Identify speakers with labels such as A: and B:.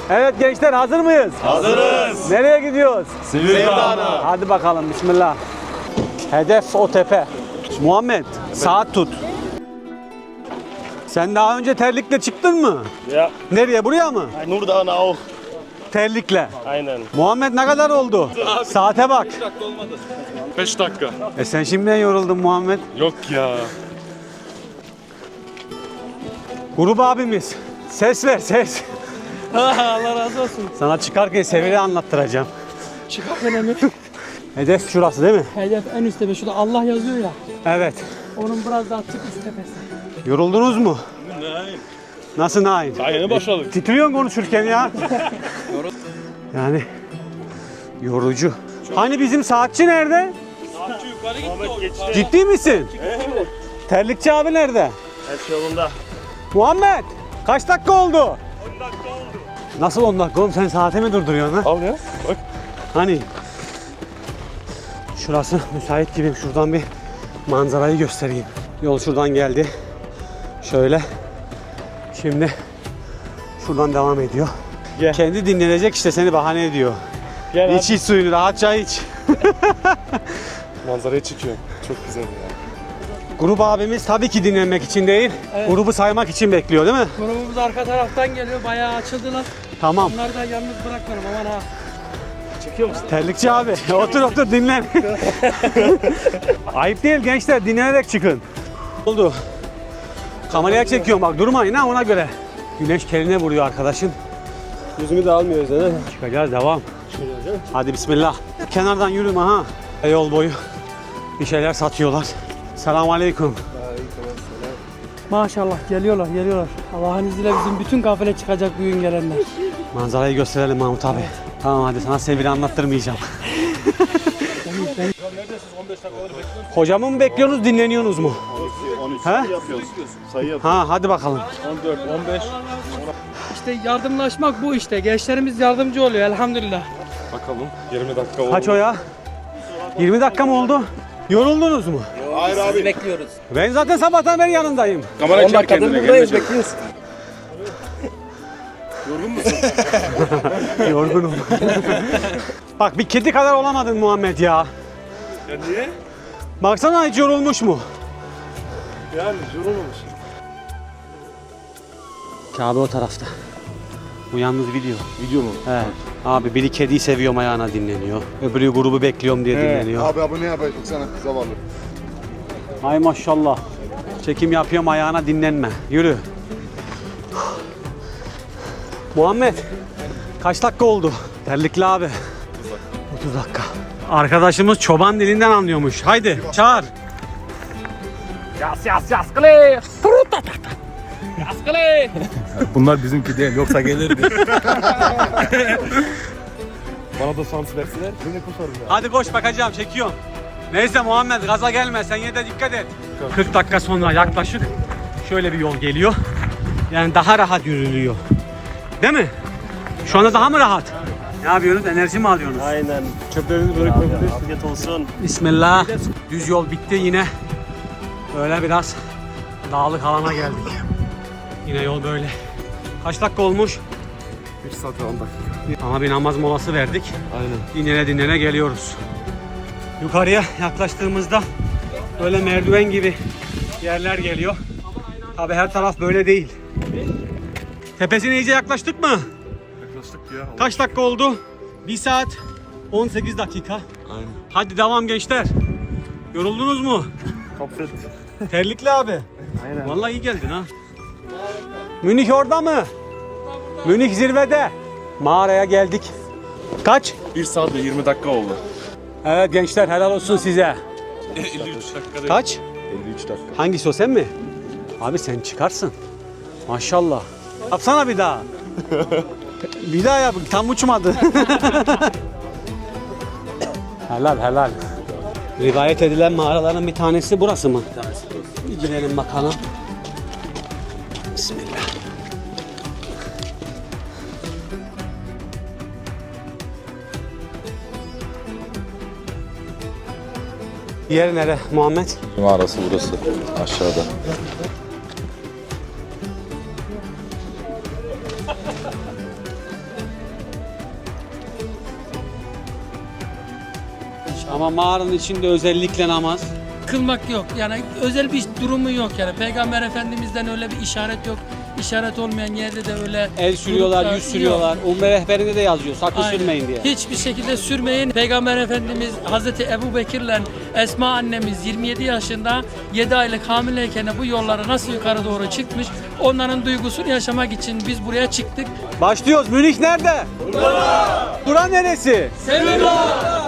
A: Evet gençler, hazır mıyız?
B: Hazırız.
A: Nereye gidiyoruz?
B: Silivri Dağı'na.
A: Hadi bakalım, bismillah. Hedef o tepe. Muhammed, saat tut. Sen daha önce terlikle çıktın mı?
B: Ya.
A: Nereye, buraya mı?
B: Nur Dağı'na auch.
A: Terlikle.
B: Aynen.
A: Muhammed ne kadar oldu? Saate bak.
B: 5 dakika.
A: Sen şimdiden yoruldun Muhammed.
B: Yok ya.
A: Grup abimiz. Ses ver, ses.
C: Allah razı olsun.
A: Sana çıkarken Sevil'i anlattıracağım.
C: Çıkarken emir.
A: Hedef şurası değil mi?
C: Hedef en üst tepe. Şurada Allah yazıyor ya.
A: Evet.
C: Onun biraz daha tık üst tepesi.
A: Yoruldunuz mu?
B: Nein.
A: Nasıl nain?
B: Daha yeni başladık.
A: Titriyorsun konuşurken ya. Yani yorucu. Hani bizim saatçi nerede?
B: Saatçi yukarı gitti.
A: Ciddi misin?
B: Evet.
A: Terlikçi abi nerede?
B: Her şey yolunda.
A: Muhammed, kaç dakika oldu?
B: 10 dakika oldu.
A: Nasıl 10 dakika oğlum, sen saate mi durduruyorsun ha?
B: Al ya. Bak.
A: Hani şurası müsait gibi, şuradan bir manzarayı göstereyim. Yol şuradan geldi. Şöyle. Şimdi şuradan devam ediyor.
B: Gel.
A: Kendi dinlenecek işte, seni bahane ediyor.
B: Gel
A: İç iç suyunu, rahatça iç.
B: Manzarayı çekiyor. Çok güzel ya.
A: Grup abimiz tabii ki dinlenmek için değil,
C: Evet.
A: grubu saymak için bekliyor değil mi?
C: Grubumuz arka taraftan geliyor. Bayağı açıldılar.
A: Tamam.
C: Onları da yalnız bırakmıyorum aman ha.
B: Çekiyor musun?
A: Terlikçi abi, otur dinlen. Ayıp değil gençler, dinlenerek çıkın. Oldu. Kameraya çekiyorum bak, durmayın ha, ona göre. Güneş keline vuruyor arkadaşın.
B: Yüzümü de almıyoruz değil mi?
A: Çıkacağız, devam. Hadi bismillah. Kenardan yürüme ha. Yol boyu bir şeyler satıyorlar. Selamünaleyküm.
C: Maşallah geliyorlar. Allah'ın izniyle bizim bütün kafile çıkacak bugün gelenler.
A: Manzarayı gösterelim Mahmut abi. Tamam hadi, sana Sevil'i anlattırmayacağım. Hocamı mı bekliyorsunuz, dinleniyorsunuz mu?
B: 13
A: He?
B: yapıyoruz. Sayı yapıyoruz.
A: Ha hadi bakalım.
B: 14, 15.
C: İşte yardımlaşmak bu işte. Gençlerimiz yardımcı oluyor elhamdülillah.
B: Bakalım. 20 dakika oldu.
A: Kaç o ya? 20 dakika mı oldu? Yoruldunuz mu?
B: Hayır abi.
C: Bekliyoruz.
A: Ben zaten sabahtan beri yanındayım.
B: Kamera çek kendine. Buradayız, bekliyoruz. Yorgun musun?
A: Yorgunum. Bak bir kedi kadar olamadın Muhammed ya.
B: Ya niye?
A: Baksana, hiç yorulmuş mu?
B: Yani yorulmamış.
A: Kabe o tarafta. Bu yalnız video.
B: Video mu?
A: He. Abi biri kediyi seviyorum ayağına dinleniyor. Öbürü grubu bekliyorum diye dinleniyor.
D: Abi abone yapacak sana zavallı.
A: Ay maşallah. Çekim yapıyorum ayağına dinlenme. Yürü. Muhammed. Kaç dakika oldu? Terlikli abi. 30 dakika. Arkadaşımız çoban dilinden anlıyormuş. Haydi çağır.
B: Bunlar bizimki değil, yoksa gelirdi. Bana da şans verseler, beni kusarım ya.
A: Hadi koş, bakacağım, çekiyorum. Neyse Muhammed, gaza gelme, sen yine de dikkat et. 40 dakika sonra yaklaşık şöyle bir yol geliyor. Yani daha rahat yürülüyor. Değil mi? Şu anda daha mı rahat? Ne yapıyorsunuz? Enerji mi alıyorsunuz?
B: Aynen. Çöplerinizi böyle koyabilirsiniz. Afiyet olsun.
A: Bismillah. Düz yol bitti yine. Böyle biraz dağlık alana geldik. Yine yol böyle. Kaç dakika olmuş?
B: 1 saat 10 dakika.
A: Ama bir namaz molası verdik.
B: Aynen.
A: Dinlene geliyoruz. Yukarıya yaklaştığımızda böyle merdiven gibi yerler geliyor. Tabi her taraf böyle değil. Tepesine iyice yaklaştık mı?
B: Yaklaştık ya.
A: Kaç dakika oldu? 1 saat 18 dakika.
B: Aynen.
A: Hadi devam gençler. Yoruldunuz mu?
B: Kapset.
A: Terlikli abi.
B: Aynen.
A: Vallahi iyi geldin ha. Münih orada mı? Münih zirvede. Mağaraya geldik. Kaç?
B: 1 saat ve 20 dakika oldu.
A: Evet gençler, helal olsun size.
B: 53 dakika.
A: Kaç?
B: 53 dakika.
A: Hangisi o, sen mi? Abi sen çıkarsın. Maşallah. Yapsana bir daha. Bir daha yap. Tam uçmadı. Helal. Rivayet edilen mağaraların bir tanesi burası mı? Bir tanesi burası. Bir girelim bakalım. Bismillah. Yer nere Muhammed?
D: Mağarası burası aşağıda.
A: Ama mağaranın içinde özellikle namaz.
C: Kılmak yok. Yani özel bir durumu yok yani. Peygamber Efendimiz'den öyle bir işaret yok. İşaret olmayan yerde de öyle
A: El sürüyorlar,
C: gruplar
A: yüz sürüyorlar.
C: yok.
A: Umre rehberinde de yazıyor. Sakın
C: Aynen.
A: sürmeyin diye.
C: Hiçbir şekilde sürmeyin. Peygamber Efendimiz Hazreti Ebu Bekir'le Esma annemiz 27 yaşında 7 aylık hamileyken bu yollara nasıl yukarı doğru çıkmış, onların duygusunu yaşamak için biz buraya çıktık.
A: Başlıyoruz. Münih nerede? Bura neresi?
C: Sevillah!